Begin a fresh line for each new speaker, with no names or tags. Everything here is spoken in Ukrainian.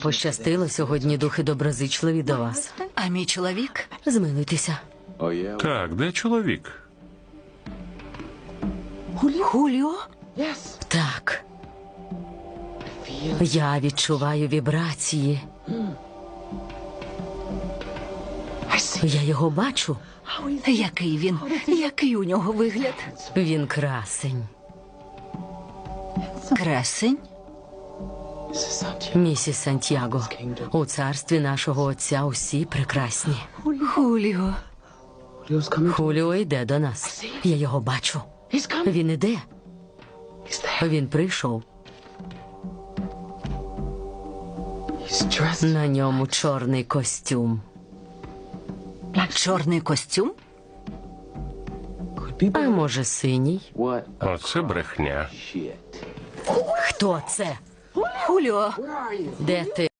Пощастило сьогодні, духи доброзичливі до вас.
А мій чоловік?
Змилуйтеся.
Так, де чоловік?
Хуліо?
Так. Я відчуваю вібрації. Я його бачу.
Який він? Який у нього вигляд?
Він красень.
Красень?
Місіс Сантьяго, у царстві нашого отця усі прекрасні.
Хуліо.
Хуліо йде до нас. Я його бачу. Він іде. Він прийшов. На ньому чорний костюм.
Чорний костюм?
А може, синій?
Оце брехня.
Хто це?
Хуліо.
Де ти?